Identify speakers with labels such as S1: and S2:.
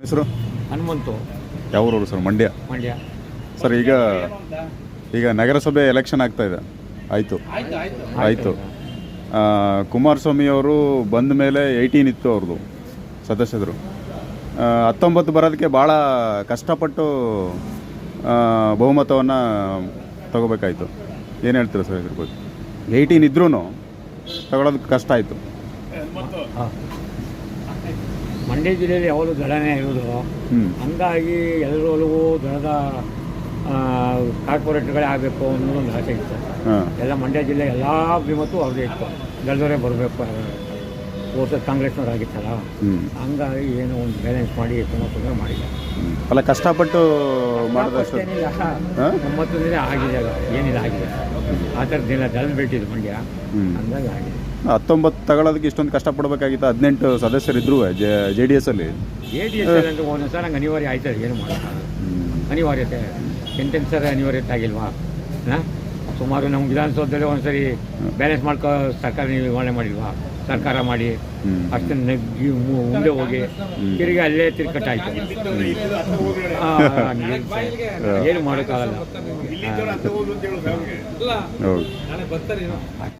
S1: ಹೆಸರು
S2: ಹನುಮಂತು.
S1: ಯಾವೂರವರು sir? Mandya.
S2: Mandya
S1: sir, ಈಗ ನಗರಸಭೆ ಎಲೆಕ್ಷನ್ ಆಗ್ತಾ ಇದೆ. ಆಯಿತು. ಕುಮಾರಸ್ವಾಮಿ ಅವರು ಬಂದ ಮೇಲೆ 18 ಇತ್ತು ಅವ್ರದ್ದು ಸದಸ್ಯರು. 19 ಬರೋದಕ್ಕೆ ಭಾಳ ಕಷ್ಟಪಟ್ಟು ಬಹುಮತವನ್ನು ತಗೋಬೇಕಾಯಿತು. ಏನು ಹೇಳ್ತೀರಾ ಸರ್ ಇದ್ರ ಬಗ್ಗೆ? 18 ಇದ್ರೂ ತಗೊಳ್ಳೋದಕ್ಕೆ ಕಷ್ಟ ಆಯಿತು.
S2: ಮಂಡ್ಯ ಜಿಲ್ಲೆಯಲ್ಲಿ ಯಾವಾಗಲೂ ದಳನೇ ಇರೋದು. ಹಂಗಾಗಿ ಎಲ್ಲರೊಳಗೂ ದಳದ ಕಾರ್ಪೊರೇಟ್ಗಳೇ ಆಗಬೇಕು ಅನ್ನೋದು ಒಂದು ಆಸೆ ಇತ್ತು. ಎಲ್ಲ ಮಂಡ್ಯ ಜಿಲ್ಲೆ ಎಲ್ಲ ಅಭಿಮತವೂ ಅವ್ರದ್ದೇ ಇತ್ತು. ದಳದವರೇ ಬರಬೇಕು. ಹೋದ ಕಾಂಗ್ರೆಸ್ನವ್ರು ಆಗಿತ್ತಲ್ಲ, ಹಂಗಾಗಿ ಏನೋ ಒಂದು ಬ್ಯಾಲೆನ್ಸ್ ಮಾಡಿ ತುಂಬ ಮಾಡಿದ್ದಾರೆ.
S1: ಅಲ್ಲ, ಕಷ್ಟಪಟ್ಟು ಮಾಡಿದಷ್ಟು
S2: ಏನಿಲ್ಲ, 9 ದಿನ ಆಗಿದೆ. ಏನಿಲ್ಲ ಆಗಿದೆ ಆ ಥರದ್ದಿಲ್ಲ. ದಳದ ಬಿಟ್ಟಿದ್ದು ಮಂಡ್ಯ, ಹಂಗಾಗಿ ಆಗಿದೆ.
S1: 19 ತಗೊಳ್ಳೋದಕ್ಕೆ ಇಷ್ಟೊಂದು ಕಷ್ಟಪಡಬೇಕಾಗಿತ್ತು. 18 ಸದಸ್ಯರಿದ್ರು JDS ಅಲ್ಲಿ.
S2: JDS ಅಂತ ಒಂದೊಂದು ಸಲ ಹಂಗೆ ಅನಿವಾರ್ಯ ಆಯ್ತದೆ. ಏನು ಮಾಡೋಕ್ಕಾಗಲ್ಲ. ಅನಿವಾರ್ಯತೆ ಎಂತೆಂಟು ಸಲ ಅನಿವಾರ್ಯತೆ ಆಗಿಲ್ವಾ? ಸುಮಾರು ನಮ್ಮ ವಿಧಾನಸೌಧದಲ್ಲಿ ಒಂದ್ಸರಿ ಬ್ಯಾಲೆನ್ಸ್ ಮಾಡ್ಕೋ ಸರ್ಕಾರ ನಿರ್ವಹಣೆ ಮಾಡಿಲ್ವಾ? ಸರ್ಕಾರ ಮಾಡಿ ಅಷ್ಟನ್ನು ನೆಗ್ಗಿ ಮುಂದೆ ಹೋಗಿ ತಿರುಗಿ ಅಲ್ಲೇ ತಿರ್ಕಟ್ಟಾಯ್ತು. ಏನು ಮಾಡೋಕ್ಕಾಗಲ್ಲ.